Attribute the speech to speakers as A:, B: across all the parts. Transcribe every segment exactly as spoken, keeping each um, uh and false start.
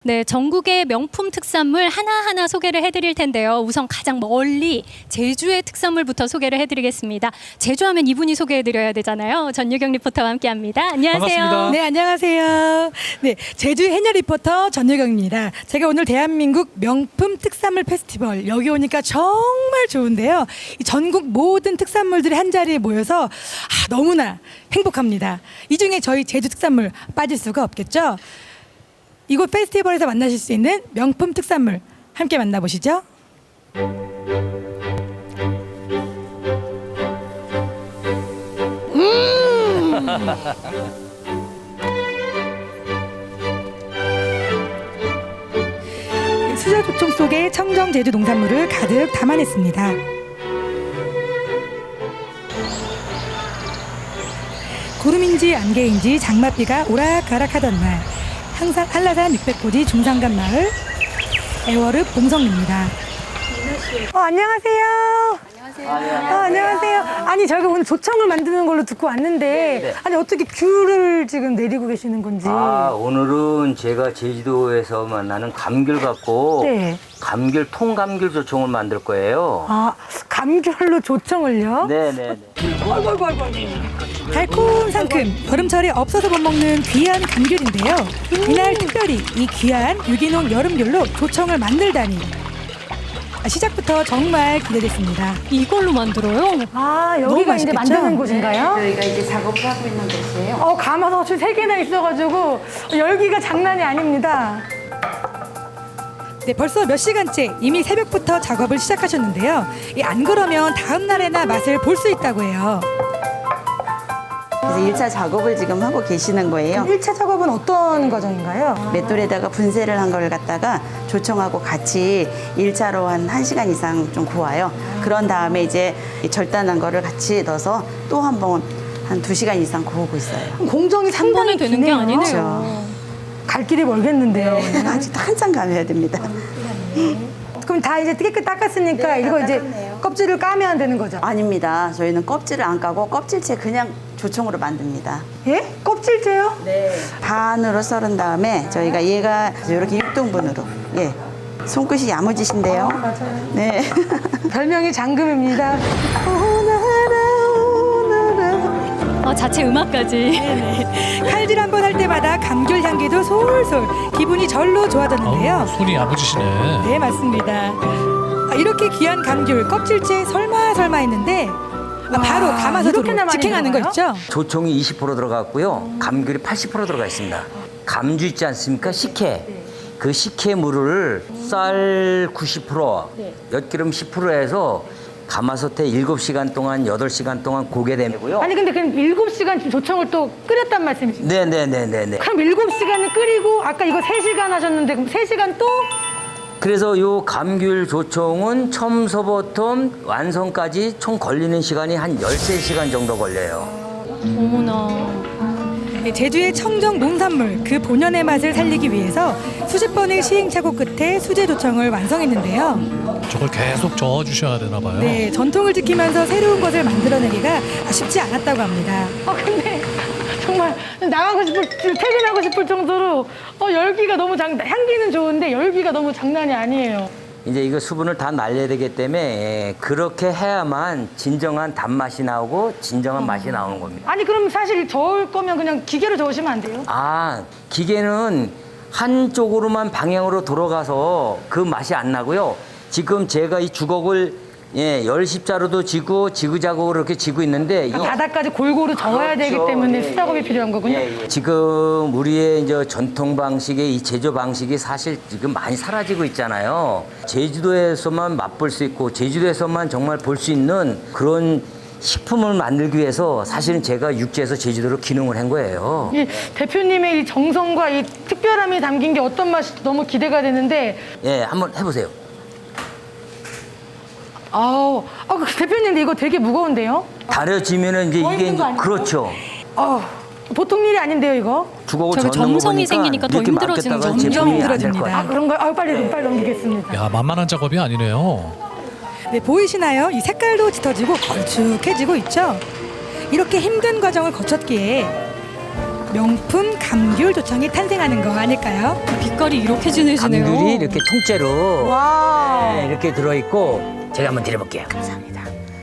A: 네, 전국의 명품 특산물 하나하나 소개를 해드릴 텐데요. 우선 가장 멀리 제주의 특산물부터 소개를 해드리겠습니다. 제주하면 이분이 소개해드려야 되잖아요. 전유경 리포터와 함께합니다. 안녕하세요.
B: 반갑습니다.
C: 네, 안녕하세요. 네, 제주 해녀 리포터 전유경입니다. 제가 오늘 대한민국 명품 특산물 페스티벌 여기 오니까 정말 좋은데요. 이 전국 모든 특산물들이 한 자리에 모여서 아, 너무나 행복합니다. 이 중에 저희 제주 특산물 빠질 수가 없겠죠. 이곳 페스티벌에서 만나실 수 있는 명품 특산물 함께 만나보시죠. 수저 조청 속에 청정 제주 농산물을 가득 담아냈습니다. 구름인지 안개인지 장맛비가 오락가락하던 날, 항상 한라산 육백 고지 중산간 마을 애월읍 봉성리입니다. 어, 안녕하세요. 안녕하세요. 어, 안녕하세요. 아니 저희가 오늘 조청을 만드는 걸로 듣고 왔는데
D: 네.
C: 아니 어떻게 귤을 지금 내리고 계시는 건지.
D: 아, 오늘은 제가 제주도에서 만나는 감귤 갖고
C: 네.
D: 감귤 통감귤 조청을 만들 거예요.
C: 아, 감귤로 조청을요?
D: 네네네.
C: 아이고, 아이고, 아이고, 아이고. 달콤 상큼 여름철에 없어서 못 먹는 귀한 감귤인데요. 이날 특별히 이 귀한 유기농 여름귤로 조청을 만들다니 아, 시작부터 정말 기대됐습니다.
A: 이걸로 만들어요?
C: 아,
E: 너무
C: 여기가 이제
E: 맛있겠죠?
C: 만드는 곳인가요?
E: 저희가 이제 작업을 하고 있는 곳이에요.
C: 어, 가마솥이 세 개나 있어가지고 열기가 장난이 아닙니다. 네, 벌써 몇 시간째 이미 새벽부터 작업을 시작하셨는데요. 이 안 그러면 다음 날에나 맛을 볼 수 있다고 해요.
E: 그래서 일 차 작업을 지금 하고 계시는 거예요.
C: 일 차 작업은 어떤 과정인가요?
E: 맷돌에다가 분쇄를 한 걸 갖다가 조청하고 같이 일 차로 한 1시간 이상 좀 구워요. 그런 다음에 이제 이 절단한 거를 같이 넣어서 또 한 번 한 두 시간 이상 구우고 있어요.
C: 공정이
A: 한 번에
C: 상당히
A: 되는 게
C: 기네요.
A: 아니네요.
E: 그렇죠.
C: 갈 길이 멀겠는데요.
E: 아직 한참 가야 됩니다.
C: 그럼 다 이제 깨끗 닦았으니까
E: 네,
C: 이거
E: 다
C: 이제
E: 닦았네요.
C: 껍질을 까면 되는 거죠?
E: 아닙니다. 저희는 껍질을 안 까고 껍질째 그냥 조청으로 만듭니다.
C: 예? 껍질째요?
E: 네. 반으로 썰은 다음에 저희가 얘가 이렇게 육 등분으로. 예. 손끝이 야무지신데요.
C: 맞아요.
E: 네.
C: 별명이 장금입니다. 오나라 오나라.
A: 어, 자체 음악까지.
C: 칼질 한 번 할 때마다 감귤 향기도 솔솔 기분이 절로 좋아졌는데요.
B: 어우, 손이 야무지시네.
C: 네, 맞습니다. 아, 이렇게 귀한 감귤 껍질째 설마 설마 했는데 아, 바로 가마솥으로 이렇게나 많이 직행하는 거 들어가요? 있죠?
D: 조청이 이십 퍼센트 들어갔고요. 감귤이 팔십 퍼센트 들어가 있습니다. 감주 있지 않습니까? 식혜. 그 식혜물을 쌀 구십 퍼센트, 엿기름 십 퍼센트 해서 가마솥에 일곱 시간 동안, 여덟 시간 동안 고게 되고요.
C: 아니 근데 그럼 일곱 시간 지금 조청을 또 끓였단 말씀이시죠?
D: 네네네네네.
C: 그럼 일곱 시간을 끓이고 아까 이거 세 시간 하셨는데 그럼 세 시간 또?
D: 그래서 요 감귤 조청은 처음서부터 완성까지 총 걸리는 시간이 한 열세 시간 정도 걸려요.
A: 어머나.
C: 네, 제주의 청정 농산물 그 본연의 맛을 살리기 위해서 수십 번의 시행착오 끝에 수제 조청을 완성했는데요.
B: 저걸 계속 저어주셔야 되나 봐요.
C: 네, 전통을 지키면서 새로운 것을 만들어내기가 쉽지 않았다고 합니다. 아 근데 정말 나가고 싶을 퇴근하고 싶을 정도로 어, 열기가 너무 장 향기는 좋은데 열기가 너무 장난이 아니에요.
D: 이제 이거 수분을 다 날려야 되기 때문에 예, 그렇게 해야만 진정한 단맛이 나오고 진정한 맛이 나오는 겁니다.
C: 아니 그럼 사실 저을 거면 그냥 기계로 저으시면 안 돼요?
D: 아, 기계는 한쪽으로만 방향으로 돌아가서 그 맛이 안 나고요. 지금 제가 이 주걱을 예, 열십자로도 지고 지그자그로 이렇게 지고 있는데 이
C: 바닥까지 골고루 저어야 되기
D: 그렇죠.
C: 때문에
D: 예,
C: 수작업이
D: 예,
C: 필요한 거군요.
D: 예, 예. 지금 우리의 이제 전통 방식의 이 제조 방식이 사실 지금 많이 사라지고 있잖아요. 제주도에서만 맛볼 수 있고 제주도에서만 정말 볼 수 있는 그런 식품을 만들기 위해서 사실은 제가 육지에서 제주도로 기능을 한 거예요.
C: 이 대표님의 이 정성과 이 특별함이 담긴 게 어떤 맛이 너무 기대가 되는데
D: 예, 한번 해보세요.
C: 아우, 아, 그 대표님 근데 이거 되게 무거운데요?
D: 다려지면은 이제
C: 더
D: 이게
C: 힘든 거
D: 이제
C: 아니에요?
D: 그렇죠.
C: 어, 보통 일이 아닌데요 이거?
D: 주걱을
A: 저게
D: 젓는 거
A: 정성이
D: 보니까
A: 생기니까 더
D: 이렇게
A: 힘들어지는
D: 맡겼다가
A: 거죠.
D: 제품이
C: 점점
D: 안될
C: 힘들어집니다.
D: 거예요.
C: 아 그런가요? 아 빨리 빨리 넘기겠습니다.
B: 야, 만만한 작업이 아니네요.
C: 네, 보이시나요? 이 색깔도 짙어지고 걸쭉해지고 있죠? 이렇게 힘든 과정을 거쳤기에 명품 감귤 조청이 탄생하는 거 아닐까요?
A: 빛깔이 이렇게 진해지네요.
D: 감귤이 이렇게 통째로
C: 와.
D: 네, 이렇게 들어있고 제가 한번 드려볼게요.
E: 감사합니다.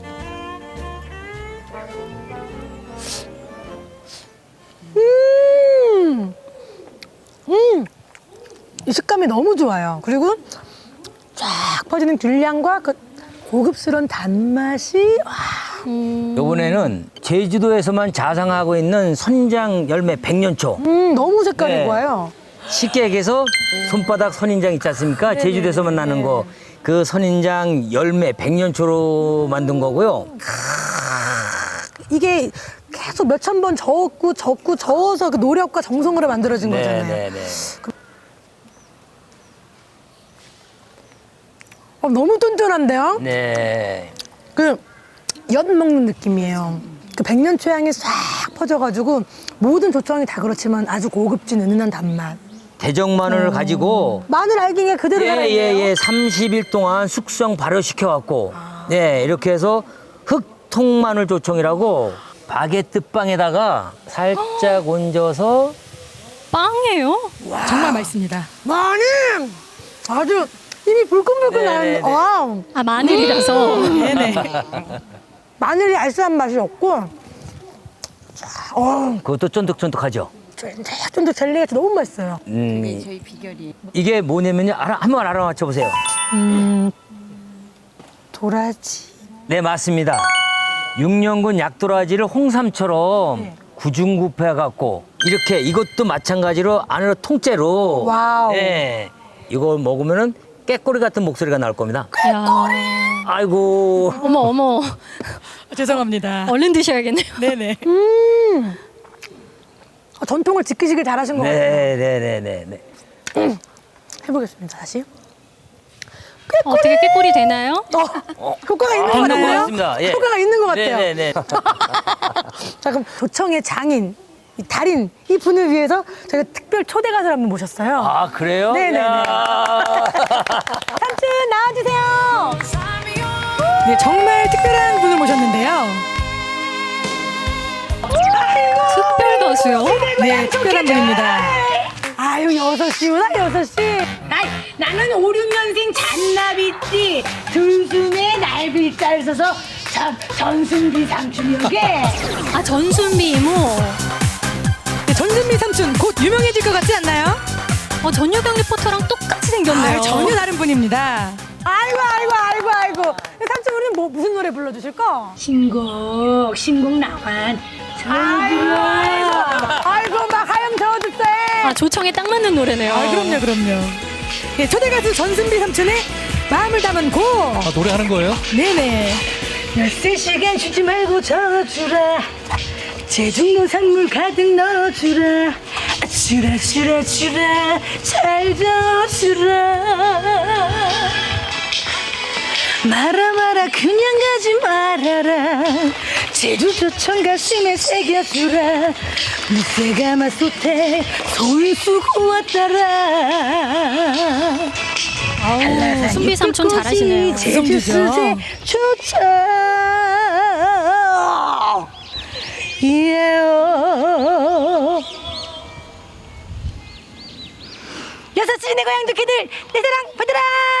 C: 음, 음, 이 식감이 너무 좋아요. 그리고 쫙 퍼지는 귤향과 그 고급스러운 단맛이 와.
D: 이번에는 제주도에서만 자상하고 있는 선인장 열매 백년초.
C: 음, 너무 색깔이
D: 네.
C: 좋아요.
D: 쉽게 얘기해서 손바닥 선인장 있지 않습니까? 제주도에서만 나는 거. 그 선인장 열매 백년초로 만든 거고요.
C: 이게 계속 몇천 번 저었고 저었고 저어서 그 노력과 정성으로 만들어진 거잖아요.
D: 네네네.
C: 어, 너무 쫀쫀한데요?
D: 네.
C: 그 엿 먹는 느낌이에요. 그 백년초 향이 싹 퍼져가지고 모든 조청이 다 그렇지만 아주 고급진 은은한 단맛.
D: 대정 마늘을 가지고
C: 마늘 알갱이가 그대로 살아있네요.
D: 예예예 삼십 일 동안 숙성 발효시켜 갖고 네 이렇게 해서 흑통 마늘 조청이라고 바게트 빵에다가 살짝 얹어서
A: 빵이에요?
C: 정말 맛있습니다. 마늘 아주 입이 불끈불끈
D: 네네네.
C: 나는. 와우.
A: 아, 마늘이라서.
C: 네네. 마늘이 알싸한 맛이 없고, 어,
D: 그것도 쫀득쫀득하죠.
C: 쫀득쫀득 젤리가 너무 맛있어요.
D: 음,
E: 저희 비결이
D: 이게 뭐냐면요. 알아, 한번 알아맞혀 보세요.
C: 도라지.
D: 네 맞습니다. 육년근 약도라지를 홍삼처럼 구중구패 갖고 이렇게 이것도 마찬가지로 안으로 통째로.
C: 와우.
D: 네, 이걸 먹으면은 깨꼬리 같은 목소리가 나올 겁니다.
A: 야.
D: 아이고.
A: 어머, 어머.
C: 죄송합니다.
A: 얼른 드셔야겠네요.
C: 네네. 음. 어, 전통을 지키시길 잘하신 것 같아요.
D: 네네네네.
C: 해보겠습니다, 다시.
A: 어떻게 깨꼬리 되나요?
C: 어, 효과가 있는 것
D: 아,
C: 같아요.
D: 고맙습니다. 예.
C: 효과가 있는 것 같아요.
D: 네네네.
C: 자, 그럼 조청의 장인, 이 달인, 이 분을 위해서 저희가 특별 초대 가수를 한번 모셨어요.
D: 아 그래요?
C: 네네네.
D: 야.
C: 삼촌 나와주세요. 네, 정말 특별한 분을 모셨는데요.
A: 특별 가수요?
C: 네, 특별한 분입니다. 아유, 여섯 시구나, 여섯 시.
F: 나, 나는 오륙 년생 잔나비띠 들숨에 날빌자를 써서 전, 전순비 삼촌이오게.
A: 아, 전순비 이모.
C: 네, 전준미 삼촌 곧 유명해질 것 같지 않나요?
A: 어, 전유경 리포터랑 똑같이 생겼네요.
C: 아, 전혀 다른 분입니다. 아이고, 아이고, 아이고, 아이고. 삼촌, 우리는 뭐, 무슨 노래 불러주실까?
F: 신곡 신곡 나환
C: 아이고, 아이고, 막 하염 저어주세.
A: 아, 조청에 딱 맞는 노래네요.
C: 아, 그럼요, 그럼요. 네, 초대 가수 전순비 삼촌의 마음을 담은 곡.
B: 아, 노래하는 거예요?
C: 네네.
F: 몇세 시간 쉬지 말고 저어주라 제주 농산물 가득 넣어주라 주라 주라 주라 잘 저어주라 말아 말아 그냥 가지 말아라 제주 조청 가슴에 새겨주라 무쇠가 마소태 손수고 왔다라
A: 아우, 순비 삼촌 잘하시네요.
F: 제주 수제 조청 예요 여섯 시 내 고향 두키들 내 사랑 받으라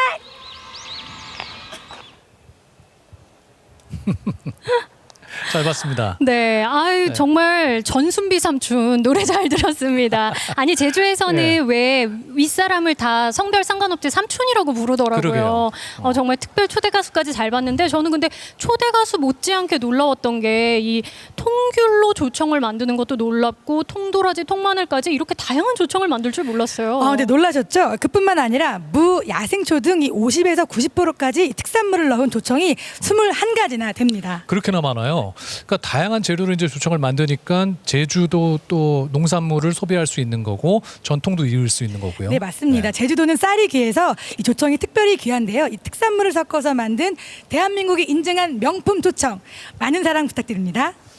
B: 잘 봤습니다.
A: 네, 아유
B: 네.
A: 정말 전순비 삼촌 노래 잘 들었습니다. 아니 제주에서는
B: 네.
A: 왜 윗사람을 다 성별 상관없이 삼촌이라고 부르더라고요.
B: 그러게요.
A: 어, 정말 특별 초대 가수까지 잘 봤는데 저는 근데 초대 가수 못지않게 놀라웠던 게 이 통귤로 조청을 만드는 것도 놀랍고 통도라지, 통마늘까지 이렇게 다양한 조청을 만들 줄 몰랐어요.
C: 아, 근데 놀라셨죠? 그뿐만 아니라 무, 야생초 등 이 오십에서 구십 퍼센트까지 특산물을 넣은 조청이 스물한 가지나 됩니다.
B: 그렇게나 많아요. 그러니까 다양한 재료로 이제 조청을 만드니까 제주도 또 농산물을 소비할 수 있는 거고 전통도 이을 수 있는 거고요.
C: 네, 맞습니다. 제주도는 쌀이 귀해서 이 조청이 특별히 귀한데요. 이 특산물을 섞어서 만든 대한민국이 인증한 명품 조청. 많은 사랑 부탁드립니다.